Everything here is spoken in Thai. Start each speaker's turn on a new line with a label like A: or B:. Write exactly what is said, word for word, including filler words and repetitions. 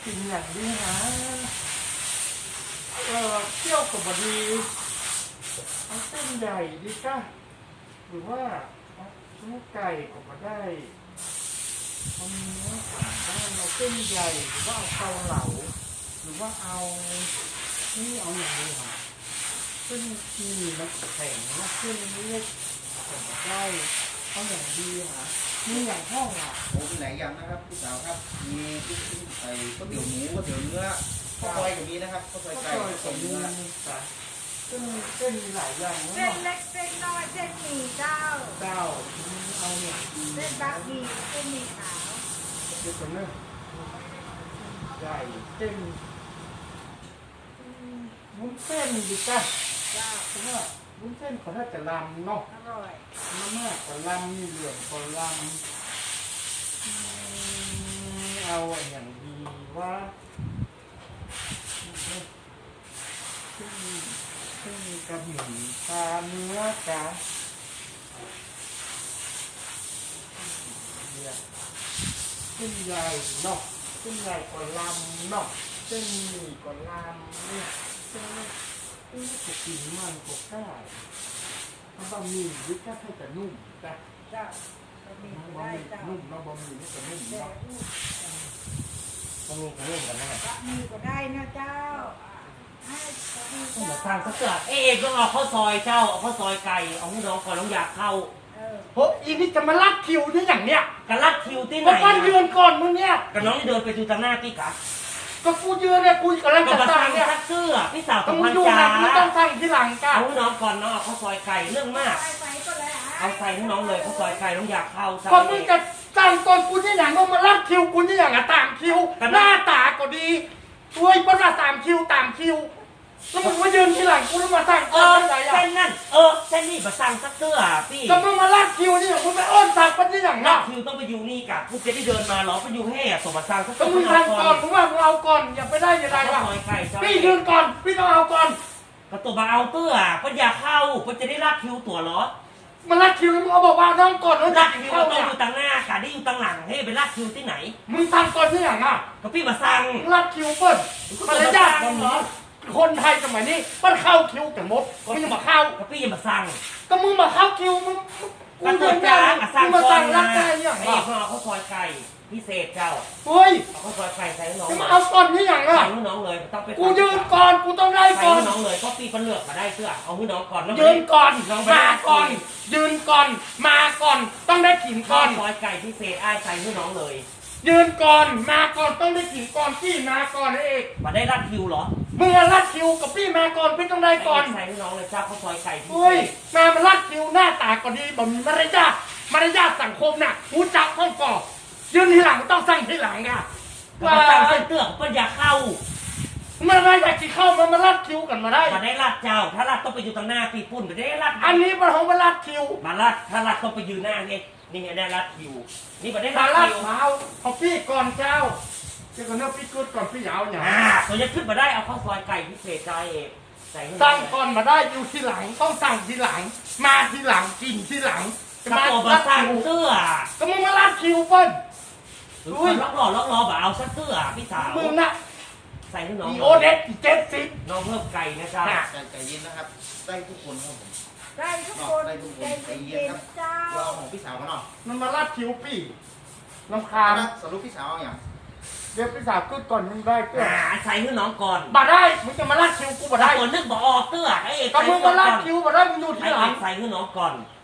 A: กินอย่างนี้นะเออเที่ยวกับบดีเอาเส้นใหญ่ดีจ้ะหรือว่าเอาชิ้นไก่ก็มาได้เอาเนื้อได้เอาเส้นใหญ่หรือว่าเอาเกาเหลาหรือว่าเอานี่เอาอย่างนี้ค่ะเส้นที่มันแข็งนะเส้นเล็กก็มาได้เอาอย่างดีค่ะมีอย่างห้องอ่ะ
B: โอ้มีหลายอย่างนะครับพี่สาวครับมีไก่ก๋วยเตี๋ยวหมูก๋วยเตี๋ยวเนื้อข้าวซอยก็มีนะครับข้าวซอยไก่
A: ก็
B: ข้าวซ
A: จะ
B: อย
A: มี
B: เนื้อ
A: จ้ะเส้นเส้นมีหลายอย่างนะ
C: เส้นเล็กเส้นน้อยเส้นหมี่เจ้า
A: เจ้าเอาเนี่ยดี
C: เส้นบะหมี่เส้นหมี่ขาว
A: เดี๋ยวก่อนเนอะใหญ่เส้นวุ้นเส้นดีจ้ะ
C: เจ้า
A: เพราะว่าวุ้นเส้นเขาน่าจะลำเนาะ
C: อร่อย
A: น้ำมากกว่าลำมีเหลืองกว่าลำอืมเอาอย่างดีว่าเส้นเส้นกระหมี่ปลาเนื้อจ้ะเนี่ยเส้นใหญ่เนาะเส้นใหญ่กว่าลำเนาะเส้นหมี่กว่าลำเนี่ยเส้นเส้นก็กินมันก็ได้ถ้าบะหมี่ยึดแค่ให้แต่นุ่มจ้ะ
C: เจ้าบะหมี่
A: บะ
C: ได้
A: หมี่
C: เจ้า
A: นุ่มเนาะบะหมี่นี่จะนุ่ม
C: แต่
A: เนาะ
B: ต้องมีกระเรื่องกันนะครับ
C: บะหมี่ก็ได้นะเจ้าให้บะหมี่
D: ต้อง
C: เจ้า
D: มาสร้างสักเกือเอ๊ะต้องเอาข้าวซอยเจ้าเอาข้าวซอยไก่เอาให้น้องก่อนน้องอยากเข้า
C: เออ
A: โหอีนี่จะมาลัดคิวนี่อย่างเนี้ย
D: กันลัดคิวที่ไหน
A: มาปั้นยืนก่อนมึงเนี่ย
D: กับน้องที่เดินไปดูทางหน้าพี่กะ
A: ก็กูยืนเนี่ยกูกำลัง
D: ก็
A: จะ
D: มาส
A: สั่
D: ร้าง ง
A: เนี่ย
D: สักเสื้อพี่สาว
A: ต้
D: ต้
A: อ
D: อง ง
A: มึ
D: พั
A: ง
D: น
A: ดู
D: จา
A: นะมึงต้องสั่งทีหลังจ้ะ
D: เอาให้น้องก่อนน้องเอาข้าวซอยไก่เรื่องมาก
C: ไปไปก็ได้
D: เอาใส่ให้น้องเลยข้าวซอยไก่น้องอยากเข้าใส่
A: ก็มึงจะสั่งก่อนกูนี่อย่างก็มาลัดคิวกูนี่อย่างอะตามคิวหน้าตาก็ดีช่วยปั้นมาตามคิวตามคิวแล้วมึงมายืนทีหลังกูแล้วมาสั่ง
D: เอ
A: ก่อ
D: อน
A: ได้ไง
D: เส้
A: อะ
D: นนั่นเออเส้นนี่มาสั่งสักเสื้อพี่
A: ก็มึงมาลัดคิวนี่อย่างมึงไปอ้อนสั่งปั้นนี่อย่าง
D: ลั
A: เนาะ
D: ดคิวต้องไปอยู่นี่กะพูดจะได้เดินมาหรอไปอยู่ให้ส่งมาสั่งสัก
A: ก็
D: เสื้อ
A: มึง
D: ให้
A: สั่ง
D: น้อง
A: ก่อนมึงว่ามึงเอาก่อนอย่าไปได้ยังไง
D: ข้าว
A: วะ
D: ซอยไก่เจ้า
A: พี่ยืนก่อนพี่ต้องเอาก่อน
D: ก็ตัวมาเอาเตื้อก็อยากเข้าก็จะได้ลัดคิวตัวเหรอ
A: มันลัดคิวแล้วมึงเอาบอกว่าน้องก่อนแล้ว
D: ลั
A: จะ
D: ดคิว
A: เข้า
D: ต้อง
A: เนี่ย
D: อยู่ต่างหน้ากะได้อยู่ต่างหลังให้ไปลัดคิวที่ไหน
A: มึงสั่งก่อนที่อย่างอ่ะ
D: ก็พี่มาสั่ง
A: มึงลัดคิวเปิ้ลมารยาทของคนไทยสมัยนี้มันเข้าคิวแต่มดมึงยังมาเข้า
D: ก็พี่มาสั่ง
A: ก็มึงมาเข้าคิวมึงมึ
D: ก็
A: ง
D: ตัว
A: เดิน
D: จ้า
A: ได้
D: ก็
A: มึ
D: สั่ง
A: งมา
D: ก่อ
A: สั่
D: น
A: ง
D: นะ
A: รักได้อย่าง
D: ไอ้
A: อ่ะ
D: พ่อเอาข้าวซอยไก่พิเศษเจ้า
A: เฮ้ย
D: เอาข้าวซอยไก่ใส่ให้น้อง
A: จะ
D: เล
A: มาย เอาก่อนที่อย่างอ่ะ
D: ใส่ให้น้องเลยต้องไป
A: กูยืนก่อนกูต้องได้
D: ใส่
A: ก่อน
D: ให้น้องเลยก็พี่เป็นเลือกมาได้เสื้อเอาให้น้องก่อนแล้ว
A: ยืนก่อน
D: น้อง
A: มาก่อน ยืนก่อนมาก่อนต้องได้กิน
D: ข้า
A: ก่อ
D: วน ซอยไก่พิเศษอ้ายใส่ให้น้องเลย
A: ยืนก่อนมาก่อนต้องได้กินก่อนพี่มาก่อนเอง
D: มาได้รัดคิวเหรอ
A: มึงอะลัดคิวกับพี่มาก่อนพี่ต้องได้ก่อน
D: ใส่ให้น้องเลยเจ้าข้าวซอยไก่พิเศ
A: เฮ้ย
D: ษ
A: มามันลัดคิวหน้าตาก็ดีบ่มีมารยาทมารยาทสังคมน่ะหูจักห้องก่อยืนทีหลังต้องสั่งทีหลังอ่ะ
D: ก็มาสั่งเส้นเตื้อก็อยากเข้า
A: มันไม่อยากจะเข้ามันมาลัดคิวกันมาได้
D: มาได้รัดเจ้า ถ้ารัดต้องไปอยู่ตรงหน้าปีปุ่นไม่ได้รัด
A: อันนี้มันของมาลัดคิว
D: มาลัดถ้ารัดต้องไปยืนหน้าไงนี่ไงได้รัดคิว นี่มาได้
A: มา
D: รัด
A: ลัด
D: คิว
A: เท้าเอาพี่ก่อนเจ้าเจ้าก็เนื้อพี่กึดก่อนพี่ยาวเนี่ย
D: อ่าตัวจะขึ้นมาได้เอาข้าวซอยไก่พิเศษใจเองใส่ให้
A: สั่งก่อนมาได้อยู่ทีหลังต้องสั่งทีหลัง มาทีหลังกินทีหลัง
D: จะมาตัวมาสั่งเสื้อ
A: ก็มึงมาลัดคิวเปิ้ล
D: อุ้ยล็อกหล่อล็อกล้อแบบเอาสักเสื้อพี่สาว
A: มึงน่ะ
D: ใส่ให้น้อง
A: อีโอเด็กอีเจ็ดสิบ
D: น้องเพิ่มไก่นะจ๊ะ
B: ไก่ไก่เย็นนะครับได้ทุกคนครับผม
C: ได้ทุกคน
B: ได้ทุกคน
C: ใจ
B: ใจเย็
C: เย็
B: น
C: น
B: ครับ
C: ๆเจ้า
B: เราเอาของพี่สาวกันเนาะ
A: มันมาลัดคิวพี่ลำคาญ
B: นะสรุปพี่สาวเอาอย่าง
A: เดี๋ยวพี่สาวกึดก่อนมึงได้เกลือ
D: อ่าใส่ให้น้องก่อน
A: บ่ได้มึงจะมาลัดคิวกูบ่ได้
D: ตัวนึกบอกออกเตื้อไอ้เอก
A: ก็มึงมาลัดคิวบ่ได้มึงอยู่ที
D: ไอ้
A: ห
D: เอ
A: ลัง
D: กใส่ให้น้องก่อน